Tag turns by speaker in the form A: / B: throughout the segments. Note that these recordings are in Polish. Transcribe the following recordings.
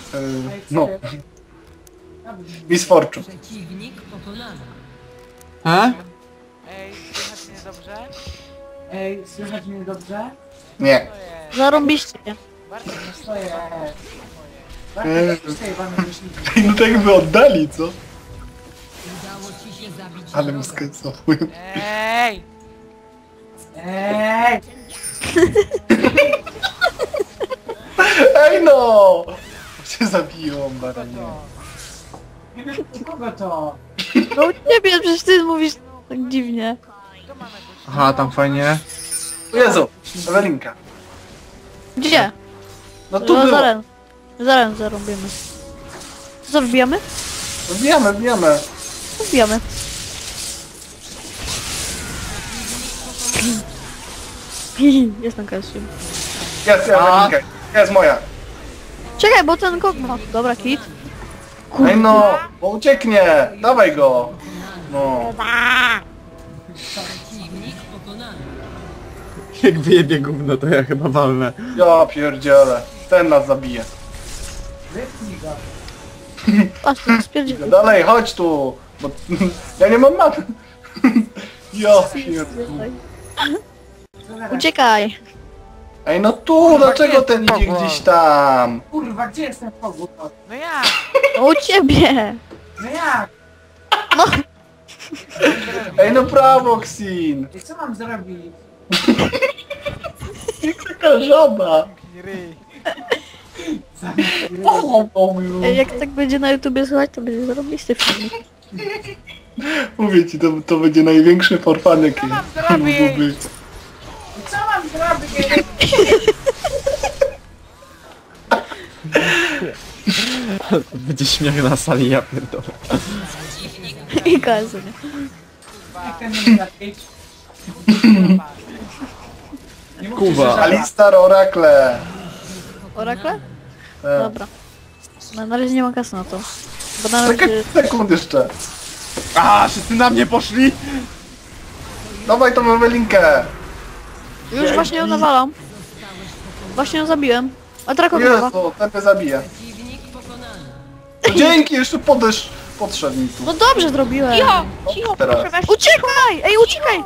A: No. Miss Fortune.
B: Przeciwnik pokonany.
C: A?
D: Ej, słychać mnie dobrze?
E: Ej, słychać mnie dobrze?
A: Nie.
D: To jest.
F: Zarąbiście.
D: Bardzo nie
E: Stoję.
A: Eee.
E: Bardzo stoję wam myślnikiem.
A: No tak jakby oddali, co?
B: Udało ci się zabić
A: Ale
B: wroga.
A: mi skacofują.
D: Ej!
E: Ej!
A: Ej no! Cię zabiją, baranie.
E: Kogo to?
F: No u ciebie, przecież ty mówisz tak dziwnie.
D: To mamy gościa.
C: Aha, tam fajnie.
A: O Jezu, Ewelinka.
F: Gdzie?
A: No tu
F: No
A: było.
F: zaraz zarąbimy. Co, wbijamy?
A: Wbijamy, wbijamy.
F: Wbijamy. Jest na kasju.
A: Jest Ewelinka. Jest moja.
F: Czekaj, bo ten kok ma. Dobra, kit.
A: Ej no, bo ucieknie. Dawaj go. No.
B: Przeciwnik pokonany.
C: Jak wyjebie gówno, to ja chyba walnę.
A: Ja pierdzielę. Ten nas zabije.
E: Wypnij go.
F: Patrz, to spierdziel.
A: Dalej, chodź tu. Bo ja nie mam mapy. Ja pierdolę.
F: Uciekaj.
A: Ej no tu, dlaczego ten idzie gdzieś tam?
E: Kurwa, gdzie jest ten kogut?
D: No jak?
F: No u ciebie.
E: No jak?
F: No,
A: Ej no prawo, Xin.
E: I co mam zrobić?
A: Taka żaba.
D: Ryj.
F: jak tak będzie na YouTubie słuchać, to będzie zarobisty filmik.
A: Mówię ci, to będzie największy forfan jaki
D: mam zrobić?
A: mógł być.
E: I co mam zrobić?
C: Będzie śmiech na sali, ja pierdolę.
F: I kazu, nie?
E: Jak ten nie zapić? Nie mówcie,
C: Kuba.
E: że żaba.
A: Alistar Oracle.
F: Orakle?
A: E,
F: Dobra. No, na razie nie ma kasy na to. Bo na
A: Czekaj
F: razie...
A: sekund jeszcze.
C: A, wszyscy na mnie poszli!
A: Dawaj tą Ewelinkę.
F: Już właśnie ją nawalam. Właśnie ją zabiłem. A teraz chyba.
A: Jezu, ten mnie zabije.
B: Przeciwnik pokonany.
A: To dzięki, jeszcze podszedł mi tu.
F: No dobrze zrobiłem.
A: Cicho, teraz.
F: Uciekaj! Ej, uciekaj!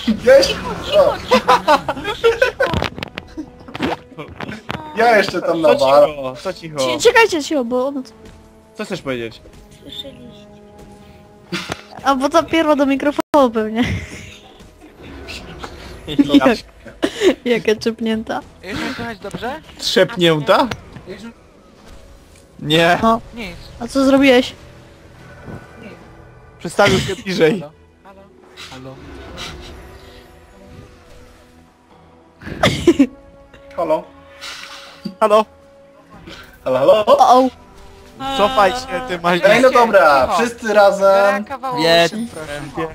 A: Ja jeszcze tam
C: Co
A: nawalam.
C: cicho? Co cicho?
F: Czekajcie się, bo ono...
C: Co chcesz powiedzieć?
F: A bo ta pierwa do mikrofonu pewnie. Jak, jaka czepnięta.
D: Już mnie słychać dobrze?
C: Trzepnięta? Nie.
F: No,
D: Nic.
F: a co zrobiłeś?
C: Przestawił się bliżej.
D: Halo? Halo?
A: Halo?
D: Halo?
C: Halo?
A: Halo, halo?
F: O,
C: Cofaj się, ty masz...
A: Ej, no dobra, wszyscy razem.
D: Kawałek
C: Jedź.
D: proszę.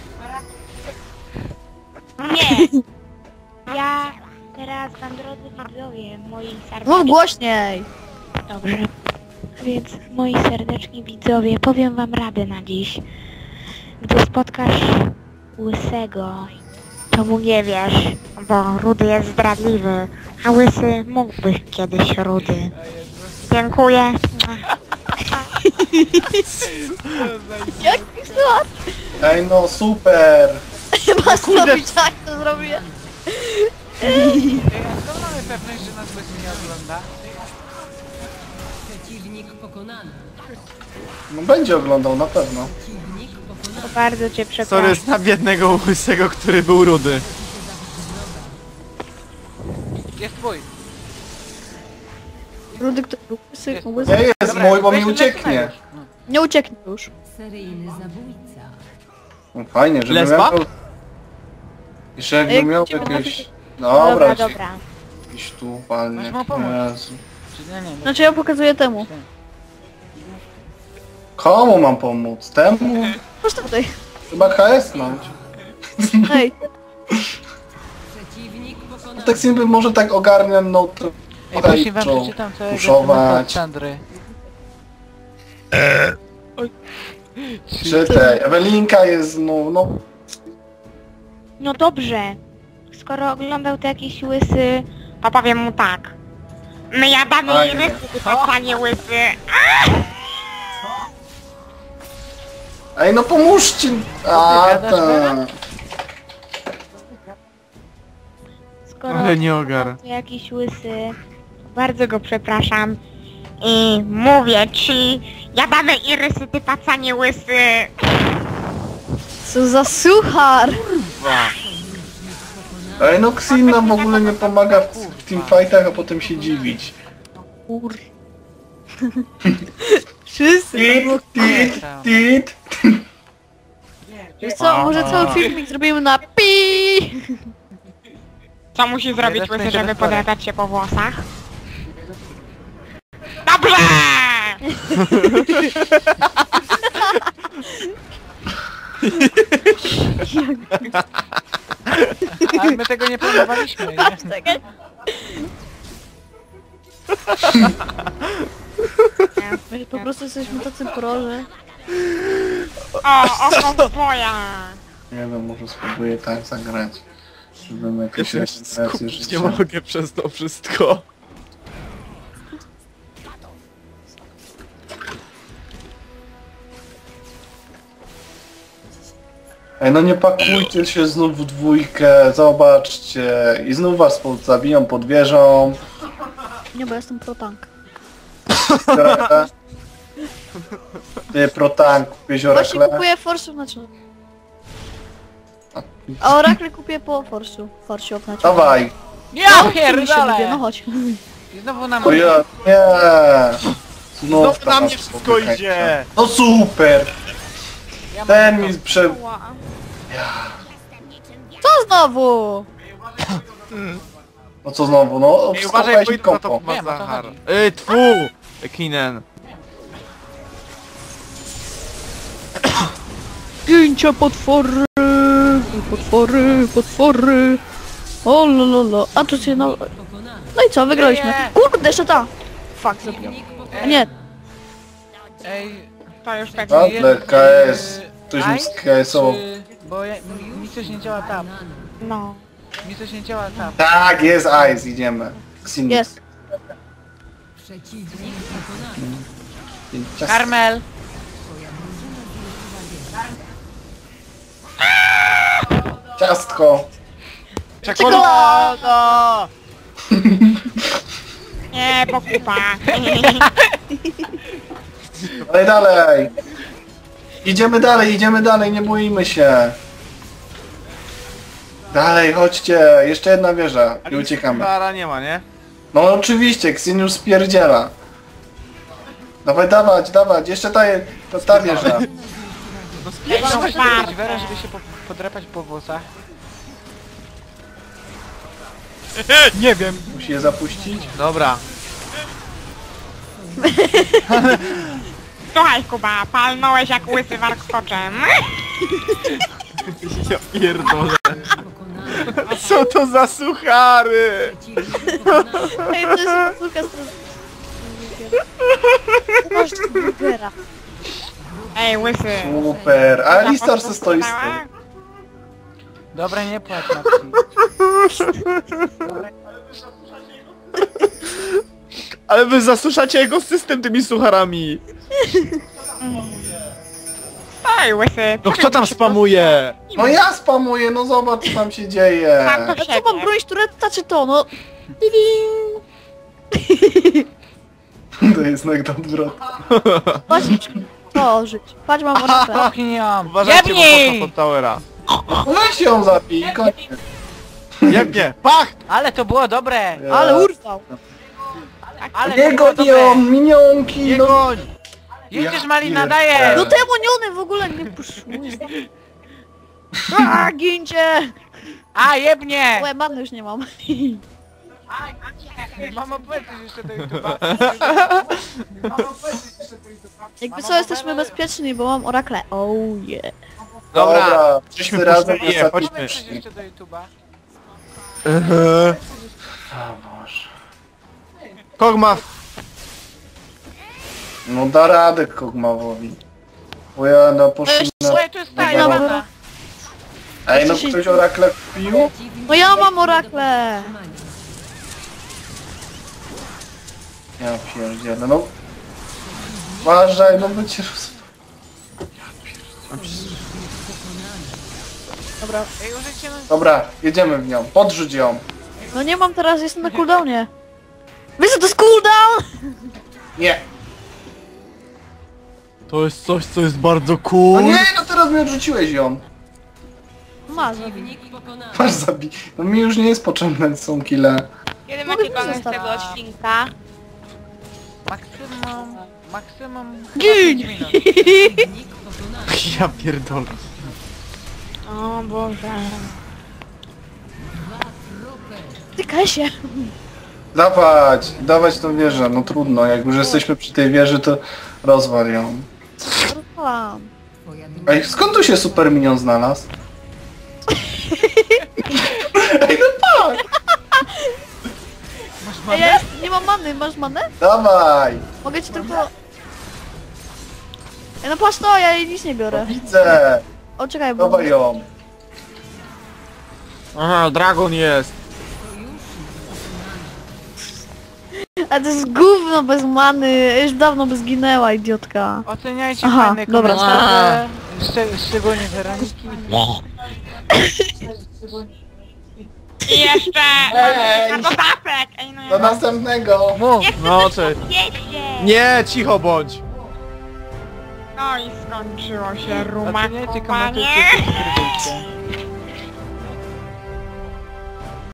G: Nie! Ja teraz wam, drodzy widzowie, moi
F: mów
G: serdeczni...
F: głośniej.
G: Dobrze. Więc moi serdeczni widzowie, powiem wam radę na dziś. Gdy spotkasz łysego, to mu nie wiesz, bo rudy jest zdradliwy, a łysy mógł być kiedyś rudy. Dziękuję.
F: Jak pisała?
A: Ej, no super.
F: Masz zrobić tak, to zrobię.
D: Ej, a skąd mamy pewność, że nas łysy nie ogląda?
B: Przeciwnik pokonany.
A: No będzie oglądał na pewno.
B: Przeciwnik pokonany.
G: To bardzo cię przepraszam.
C: Sorry, znam jednego łysego, który był rudy.
D: Jest twój.
F: Rudy, który był łysy,
D: Jest.
F: łysy.
A: Nie jest
D: Dobra,
A: mój, bo mi
D: weź
A: ucieknie.
D: lecimy.
F: Nie ucieknie już.
B: Seryjny zabójca.
A: No fajnie, żeby
C: Lesba?
A: miał... Jeszcze jakby
F: Ej,
A: miał
F: gdzie
A: jakieś...
G: Dobra,
A: Dobra,
G: dobra.
A: Iść tu palnie.
D: Masz mu pomóc.
A: Jezu.
D: Czy nie, nie, nie.
F: Znaczy ja pokazuję temu.
A: Komu mam pomóc? Temu?
F: Masz tutaj.
A: Chyba KS mam.
F: Hej.
B: Przeciwnik pokonany.
A: Tak sobie może tak ogarniam, no to...
D: Ej, właśnie wam przeczytam całego
A: puszować.
D: od Sandry.
A: Czytaj, Ewelinka jest no...
G: No dobrze. Skoro oglądał to jakiś łysy, to powiem mu tak. My jadamy
A: Fajnie.
G: irysy, ty panie łysy.
A: Ej, no pomóżcie! A,
D: gadasz, Bela?
A: tak.
G: Skoro
C: Ale nie ogar.
G: to jakiś łysy, bardzo go przepraszam. I mówię ci, jadamy irysy, ty pacanie łysy.
F: Co za suchar!
A: Ej, no Xin nam w ogóle nie pomaga w teamfightach, a potem się dziwić.
F: Kur... Wszyscy
A: Tit, tit, tit.
F: Wiesz co, może cały filmik zrobimy na pi.
G: Co musi zrobić
D: Jeden
G: łysy,
D: będzie
G: żeby
D: bez
G: podrapać się po włosach? Dobrze!
D: Ale my tego nie planowaliśmy, nie?
F: Czekaj. My po prostu jesteśmy tacy proże.
G: O, oko twoja!
A: Nie wiem, może spróbuję tak zagrać. Żebym jakieś
C: Ja się
A: rejestracje
C: skupić
A: życia.
C: nie mogę przez to wszystko.
A: Ej, no nie pakujcie się znów w dwójkę, zobaczcie. I znów was zabiją pod wieżą.
F: Nie, bo jestem pro tank.
A: Ty pro tank, kupiłeś
F: Właśnie
A: orakle.
F: kupuję Forsu na czym. A Oracle kupię po Forsu. Forsiu na czym.
A: Dawaj.
D: Ja
F: No
D: pierdolę!
F: chodź.
D: I znowu nam...
A: O ja, nie. Znów
C: No na
A: to
C: mnie
A: was
C: wszystko
A: popychacie.
C: idzie.
A: No super.
D: Ja mam
A: Ten mi prze...
F: Co znowu?
A: No co znowu, no
C: Ej, uważaj,
A: wskopałeś
C: bo
A: mi
C: idę za
A: kompo.
C: to ma
D: Wiem, o to
C: Zachar.
D: chodzi.
C: Tfu! Kinen.
F: Zdjęcia potwory, potwory, potwory. O lololo. A tu się no... No i co, wygraliśmy.
D: Nie.
F: Kurde, jeszcze ta. Fuck, zabiłem. A nie,
D: Ej,
G: To już tak.
A: Ale KS. Ktoś mi z KS-ował.
D: Bo ja, mi coś nie działa tam.
G: No.
D: Mi coś nie działa tam.
A: Tak, jest Ice, idziemy. Xin.
F: jest.
B: Przeciwnik pokonany.
D: Karmel!
A: Ciastko.
C: Czekolada!
G: Nie, pokupa.
A: Dalej, dalej. Idziemy dalej, nie boimy się. Dalej, chodźcie. Jeszcze jedna wieża i uciekamy.
C: Kara nie ma, nie?
A: No oczywiście, Xin już spierdziela. Dawaj, dawać, jeszcze ta wieża.
D: Ej, no
G: No
D: muszę
G: warto.
D: zrobić Werę, żeby się podrapać po włosach. Nie wiem.
A: Musi je zapuścić.
C: Dobra.
G: Słuchaj Kuba, palnąłeś jak łysy warkoczem.
C: Ja pierdolę.
B: Pokonany.
C: Co to za suchary?
B: Przeciwnik pokonany.
F: Ej, to jest Lukas. Masz burgera.
G: Ej, łysy.
A: Super. A Alistar se stoi z tyłu.
D: Dobra, nie płacz Maxi.
C: Ale wy zasuszacie jego system tymi sucharami.
G: Ej, łysy.
C: No kto tam spamuje?
A: No ja spamuję, no zobacz co tam się dzieje.
G: Sam to
F: A co
G: siebie.
F: mam bronić turetta czy to? No.
A: To jest znak odwrotny.
F: Patrz, to żyć. Patrz, mam orapę.
D: Popchnij ją.
C: Uważajcie, bo
D: Jebnij!
C: pod Towera.
A: Weź ją zabij i koniec.
C: Jak nie? Pach!
D: Ale to było dobre!
F: Ale urwał.
D: Ale
A: Nie
D: to było
A: gonią,
D: dobre!
A: minionki,
C: Nie
A: no.
C: goń!
D: Jedziesz
A: Ja
D: Malina,
A: pierdolę.
D: dajesz!
F: No te moniony w ogóle nie puszczuje. A, gincie!
D: A, jebnie!
F: Łe, many już nie mam.
D: Mamo, powiedz jeszcze do YouTube'a.
F: Jakby co, jesteśmy bezpieczni, bo mam orakle. Oh yeah.
C: Dobra,
A: wszyscy
C: żeśmy
A: razem
C: puszczali je,
A: ostatni
C: chodźmy.
D: Powiedz coś
A: przyszli.
D: jeszcze do YouTube'a.
A: O Boże.
C: Kogma.
A: No da radę Kogmawowi. Bo ja no poszli na...
D: Słuchaj, tu jest ta
A: Dobra.
D: jebana.
A: Ej, no ktoś orakle kupił?
F: No ja mam orakle.
A: Ja pierdzielę, no. Uważaj, no by cię roz...
F: Dobra.
D: Ej, użyjcie na...
A: Dobra, jedziemy w nią. Podrzuć ją.
F: No nie mam teraz, jestem na cooldownie. Wiesz co to jest cooldown?
A: Nie.
C: To jest coś, co jest bardzo
A: No
C: cool.
A: nie, no teraz mi odrzuciłeś ją.
F: Masz.
B: Przeciwnik pokonany.
A: Masz zabij. No mi już nie jest potrzebne są kile.
G: Kiedy
F: Mogę
G: macie koniec
F: zostawić.
G: tego odcinka?
D: Maksimum...
F: Gin!
D: 5 minut.
B: Przeciwnik pokonany.
C: Ja pierdolę.
G: O Boże.
F: Tykaj się.
A: Dawać tą wieżę, no trudno, jak już jesteśmy przy tej wieży, to rozwal ją.
F: Rozwalam.
B: Twoja drużyna
A: Ej, skąd tu się super minion znalazł? Ej, no tak!
F: Ej, ja nie mam many, masz manę?
A: Dawaj!
F: Mogę ci tylko... Ej, no patrz to, ja jej nic nie biorę.
A: Widzę!
F: O, czekaj, bo...
A: Dawaj ją!
C: Aha, dragon jest.
F: A to jest gówno bez many, już dawno by zginęła, idiotka.
D: Oceniajcie
F: Aha,
D: fajne
F: dobra.
D: komentarze. Szczególnie Weroniki.
G: I jeszcze...
A: Ej!
G: Na popapek! Ej, no
A: Do
G: ja...
A: następnego!
C: Mów. No, cześć.
G: Wiecie!
C: Nie, cicho bądź.
G: No i skończyło się
D: Oceniajcie,
G: rumakowanie.
D: komentujcie, subskrybujcie.